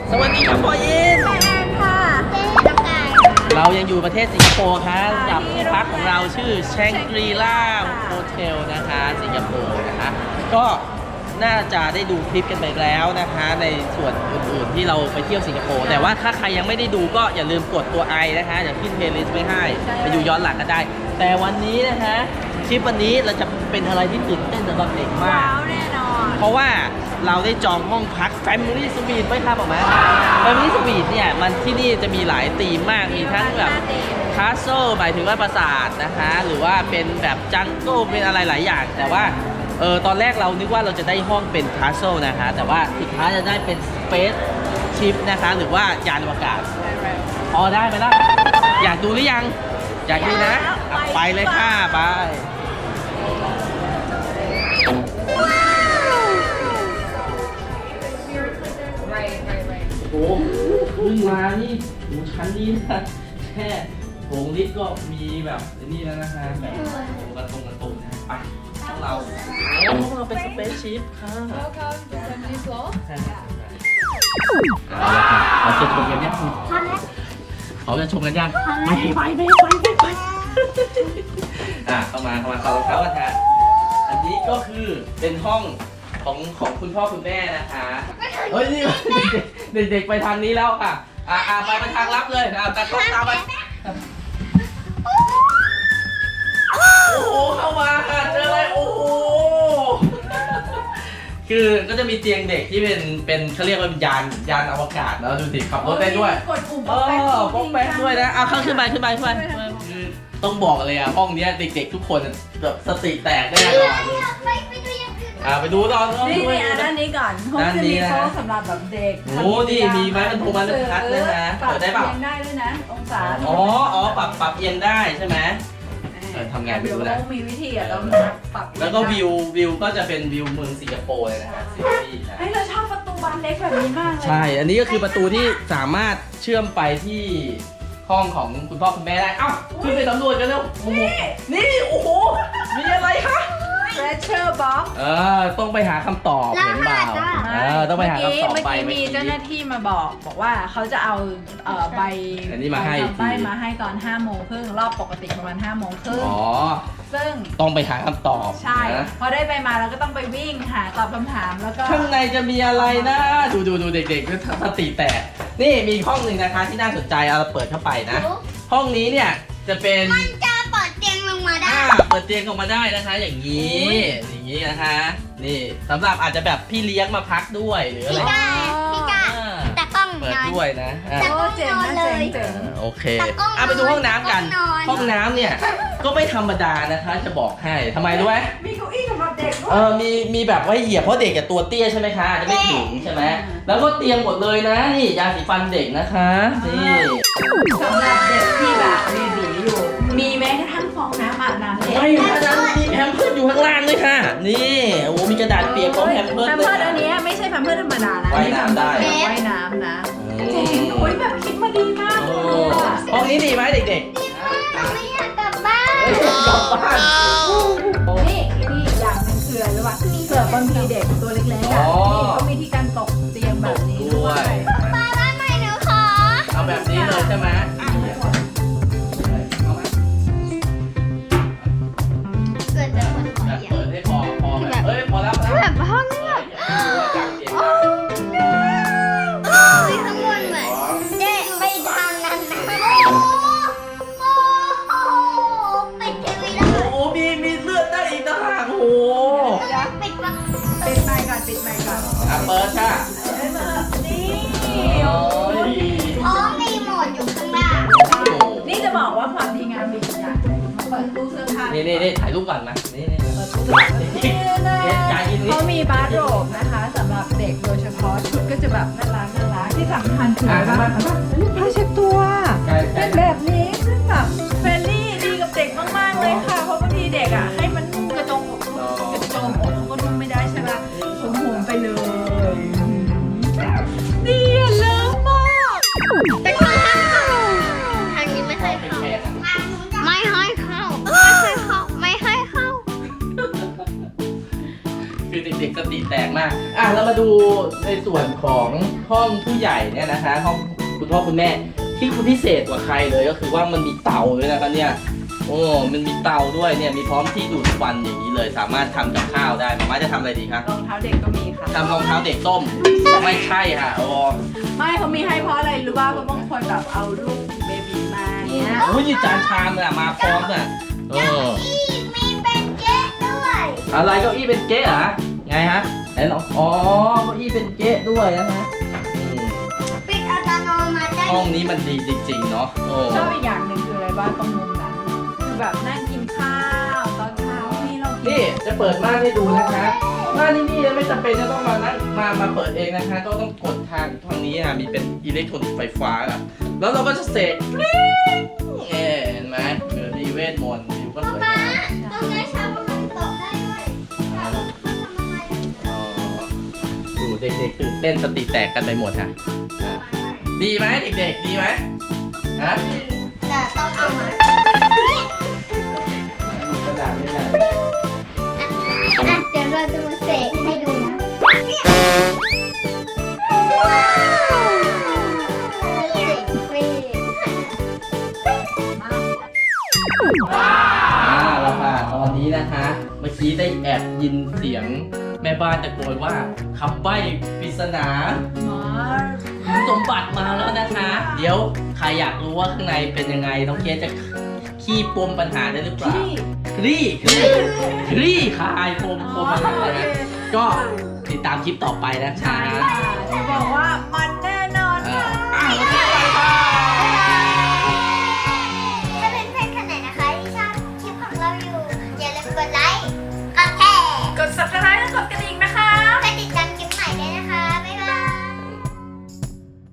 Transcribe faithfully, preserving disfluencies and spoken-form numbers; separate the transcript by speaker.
Speaker 1: สวัสดีครับพ่อยิน
Speaker 2: แอนค่ะน้ำกาย
Speaker 1: เรายังอยู่ประเทศสิงคโปร์ครับกับที่พักของเราชื่อแชงกรีล่าโฮเทลนะคะสิงคโปร์นะคะก็น่าจะได้ดูคลิปกันไปแล้วนะคะในส่วนอื่นๆที่เราไปเที่ยวสิงคโปร์แต่ว่าถ้าใครยังไม่ได้ดูก็อย่าลืมกดตัวไอนะคะเดี๋ยวขึ้นเพลย์ลิสต์ไว้ให้ไปดูย้อนหลังกันได้แต่วันนี้นะคะคลิปวันนี้เราจะเป็นอะไรที่ตื่นเต้นสำหรับเด็กมาก
Speaker 2: ว้าวแน่นอน
Speaker 1: เพราะว่าเราได้จองห้องพัก Family Suite ไว้ครับออกมา Family Suite เนี่ยมันที่นี่จะมีหลายธีมมากมีทั้งแบบคาสเซิลหมายถึงว่าปราสาทนะคะหรือว่าเป็นแบบจังเกิลเป็นอะไรหลายอย่างแต่ว่าเออตอนแรกเรานึกว่าเราจะได้ห้องเป็นคาสเซิลนะคะแต่ว่าสุดท้ายจะได้เป็น Space Ship นะคะหรือว่ายานอวกาศพอได้ไหมล่ะอยากดูหรือยังอยากดูนะไปเลยค่ะไปโอ้ขึ้นมานี่โอ้ชั้นนี้นะแค่โถงลิฟต์ก็มีแบบนี่แล้วนะฮะแบบโอ้กระตรงกระตุกนะไปพวกเราโอ้เราเป็นสเปซชิพค่ะ
Speaker 3: Welcome to Family Floor
Speaker 1: เอาละค่ะเราจะชมกันยังเขาจะชมกันยังไม่ไปไม่ไปไม่ไปอ่ะเข้ามาเข้ามาเข้ารองเท้ากันค่ะอันนี้ก็คือเป็นห้องของของคุณพ่อคุณแม่นะคะเฮ้ยนี่เด็กๆไปทางนี้แล้วค่ะอ่าอ่าไปไปทางลับเลยอ่าตากล้องตามไปโอ้โหเข้ามาค่ะเจออะไรโอ้โหคือก็จะมีเตียงเด็กที่เป็นเป็นเขาเรียกว่าเป็นยานยานอวกาศแล้วดูสิขับรถได้ด้วย
Speaker 2: กดปุ่ม
Speaker 1: เออป้องแป๊กด้วยนะเอาเข้าขึ้นไปขึ้นไปขึ้นไปคือต้องบอกเลยอ่ะห้องนี้เด็กๆทุกคนแบบสติแตกแน่นอนอ่าไปดูตอน
Speaker 2: นี่นี่อ่ะด้านนี้ก่อนห้องจะมีโต๊ะสำหรับแบบเด็ก
Speaker 1: โอ้นี่มีไม้บรรทุกบรรทัดเลยนะ
Speaker 2: ปรับ
Speaker 1: เปิดได้เปล่า
Speaker 2: เอียงได้ด้วยนะองศา
Speaker 1: อ๋ออ๋อปรับปรับเอียงได้ใช่ไหมเออทำไงไปดูนะ
Speaker 2: มีวิธีอ่ะต้องปรับ
Speaker 1: แล้วก็วิววิวก็จะเป็นวิวเมืองสิงคโปร์เลยนะฮะซิตี้นะ
Speaker 2: เฮ้ยเราชอบประตูบานเล็กแบบนี้มากเลย
Speaker 1: ใช่อันนี้ก็คือประตูที่สามารถเชื่อมไปที่ห้องของคุณพ่อคุณแม่ได้เอ้าขึ้นไปสำรวจกันเร็วโอ้โหนี่โอ้โหมีอะไรคะ
Speaker 2: Treasure Box
Speaker 1: เออต้องไปหาคำตอบเห็นเปล่าเออต้องไปหาคำตอบไป
Speaker 2: เมื่อกี้มีเจ้าหน้าที่มาบอกบอกว่าเขาจะเอาเอ่อใบ
Speaker 1: อันนี้มาให้
Speaker 2: ใบมาให้ตอนห้าโมงครึ่งรอบปกติประมาณห้าโมงครึ่ง
Speaker 1: อ๋อ
Speaker 2: ซึ่ง
Speaker 1: ต้องไปหาคำตอบ
Speaker 2: ใช่
Speaker 1: นะ
Speaker 2: พอได้ใบมาเราก็ต้องไปวิ่งหาตอบคำถามแล้วก็
Speaker 1: ข้างในจะมีอะไรนะดูดูดูเด็กๆก็สติแตกนี่มีห้องหนึ่งนะคะที่น่าสนใจเอาเราเปิดเข้าไปนะ ห้องนี้เนี่ยจะเป็น
Speaker 4: มันจะเปิดเตียงลงมาได้
Speaker 1: อ่าเปิดเตียงออกมาได้นะคะ อย่างนี้อย่างนี้นะคะนี่สำหรับอาจจะแบบพี่เลี้ยงมาพักด้วยหรืออะไร
Speaker 4: พี่กาพี่กา
Speaker 1: อ่า
Speaker 4: แต่กล้อง
Speaker 1: เปิด
Speaker 4: นอน
Speaker 1: ด้วยนะอ่า
Speaker 4: แต่
Speaker 2: โอ้เจ๋งนะเจ๋งเจ๋ง
Speaker 1: อ่าโอเค
Speaker 4: แต่กล้อง
Speaker 1: อ่ะไปดูห้องน้ำกัน
Speaker 4: กล้องนอน
Speaker 1: ห้องน้ำเนี่ยก็ไม่ธรรมดานะคะจะบอกให้ทำไมรู้ไหม
Speaker 2: มีเก้าอี้สำหรับเด็กด้ว
Speaker 1: เอย อมีมีแบบไว้เหยียบเพราะเด็กกับตัวเตี้ยใช่ไหมคะจะไม่ถึงใช่ไหมแล้วก็เตียงหมดเลยนะนี่ยาสีฟันเด็กนะคะนี่
Speaker 2: สำหรับเด็กที่แบบมีบีอยู่ มีแม้กระทั่งฟองน้ำอาบน้ำเด็ก
Speaker 1: ไม่อยู่ข้างนั้นมีแพมเพิร์สอยู่ข้างล่างด้วยค่ะนี่โอ้มีกระดาษเปียกของแพมเพิร์ส
Speaker 2: แพม
Speaker 1: เล
Speaker 2: เพิร์
Speaker 1: ย
Speaker 2: สอันเนี้ยไม่ใช่แพมเพิร์สธรรมดานะ
Speaker 1: ว่ายน้ำได้
Speaker 2: อันนี้ว่ายน้ำนะจริงโอ้ยแบบคิดมาดีมาก
Speaker 1: โอ้
Speaker 2: เลยอะ
Speaker 1: ห้องนี้ดีไหมเด็ก
Speaker 4: เราไม่อยากกลับบ้าน
Speaker 1: ๆเอ้ยกลับบ้าน
Speaker 2: นี่นี่อย่างหนึงคืออะไรรู้ป่ะเผื่อบางทีเด็กตัวเล็กๆอ่ะนี่เขามีที่การตกเตียงแบบนี้ด้วย
Speaker 4: บ้านบ้านใหม่หนูขอ
Speaker 1: เอาแบบนี้เลยใช่ไหม
Speaker 4: เกิดจากคนขอ
Speaker 1: แบบ
Speaker 4: เดียว
Speaker 1: เปิดให้พอพอแบบเอ้ยพอแล้วพอแล้ว
Speaker 4: แบบห้องเงียบ
Speaker 1: จังเสียง
Speaker 4: โอ้ยข้างบนเหมือนเจ๊ไปทางนั้นนะโอ้โอ้ปิดทีวีแล้ว
Speaker 1: โอ้โหมีมีเลือดได้อีกต่างหากโอ้โห
Speaker 4: ปิดปะ
Speaker 2: ปิดไมค์ก่อนปิดไมค์ก่อน
Speaker 1: อ่ะเปิดค่ะ
Speaker 2: นี่
Speaker 1: โอ้ย
Speaker 4: อ๋อมีโหมดอยู่ข้างล่าง
Speaker 2: นี่จะบอกว่าความดีงามมีอีกอย่างมาเปิดตู้เสื้อผ้า
Speaker 1: นี่นี่นี่ถ่ายรูปก่อนมานี่นี่
Speaker 2: เปิดตู้เสื้อผ้านี่นะเขามีบาร์โรบนะคะสำหรับเด็กโดยเฉพาะชุดก็จะแบบน่ารักน่ารักที่สำคัญคืออะไรบ้างผ้าเช็ดตัว
Speaker 1: ใช่ใช่
Speaker 2: เป็นแบบนี้ซึ่งแบบเฟรนลี่ดีกับเด็กมากๆเลยค่ะเพราะบางทีเด็กอ่ะให้มันนุ่งกระจงอกกระโจมอกเขาก็นุ่งไม่ได้ใช่ไหมผมห่มไปเลยดีอ่ะเลิศมาก
Speaker 4: แต่ข้างล่างทางนี้ไม่ให้
Speaker 1: เป็น
Speaker 4: เข้า
Speaker 1: แขก
Speaker 4: ไม่ให้เข้า ไม่ให้เข้า ไม่ให้เข้า
Speaker 1: คือเด็กๆสติแตกมากอ่ะเรามาดูในส่วนของห้องผู้ใหญ่เนี่ยนะคะห้องคุณพ่อคุณแม่ที่คุณพิเศษกว่าใครเลยก็คือว่ามันมีเตาด้วยนะครับเนี่ยโอ้มันมีเตาด้วยเนี่ยมีพร้อมที่ดูดควันอย่างนี้เลย สามารถทำกับข้าวได้มาม่าจะทำอะไรดีคะ
Speaker 2: รองเท้าเด็กก็มีค่ะ
Speaker 1: ทำรองเท้าเด็กต้มไม่ใช่ค่ะโอ้
Speaker 2: ไม่เขามีให้เพราะอะไรรู้ป่ะเพราะบางคนแบบเอาลูกเบบีมาเนี้ย
Speaker 1: โอ้ยนี่จานชามน่ะมาพร้อมน่ะเออ
Speaker 4: อีกมีเป็นเก๊ะด้วย
Speaker 1: อะไรเก้าอี้เป็นเก๊ะเหรอไงฮะไหนลองอ๋อเก้าอี้เป็นเก๊ะด้วยนะฮะอืม
Speaker 4: ปิดอัตโนมัติได้
Speaker 1: ห้องนี้มันดีจริงๆเนาะโอ้
Speaker 2: ชอบอีกอย่างหนึ่งคืออะไรบ้างตรงมุมนั้นคือแบบนั่งกินข้าวตอนเช้านี่เรากิ
Speaker 1: นี่จะเปิดม่านให้ดูนะคะม่านที่นี่ไม่จำเป็นจะต้องมานั่งมามาเปิดเองนะคะ ก็ต้องกดทางทางนี้ค่ะมีเป็นอิเล็กโทรนิกส์ไฟฟ้าอ่ะแล้วเราก็จะเสกกริ๊งเอ๊ะเห็นไหมเออดีเวทมนต์วิวก็สวยงาม
Speaker 4: ตรงนี้ชาวบ้านตกได้ด้วยชาวบ้านทำอะไร
Speaker 1: อ๋อดูเด็กๆตื่นเต้นสติแตกกันไปหมดค่ะอ่ะดีไหมเด็กๆดีไหมฮะ
Speaker 4: แต่ต้องเอามา
Speaker 1: ดูกระดาษไม่ได้
Speaker 4: อ่ะเดี๋ยวเราจะมาเสกให้ดูนะเสกฟรี
Speaker 1: อ่าแล้วค่ะตอนนี้นะคะ เมื่อกี้ได้แอบยินเสียงแม่บ้านตะโกนว่าคำใบ้ปริศนา
Speaker 2: หมอ
Speaker 1: คุณสมบัติมาแล้วนะคะ เดี๋ยวใครอยากรู้ว่าข้างในเป็นยังไงน้องเคสจะขี้ปมปัญหาได้หรือเปล่า
Speaker 2: ที่
Speaker 1: คลี่คลี่คลี่คลายปมปมปัญหานะก็ติดตามคลิปต่อไปนะคะ
Speaker 2: ใช่ค่ะจะบอกว่ามัน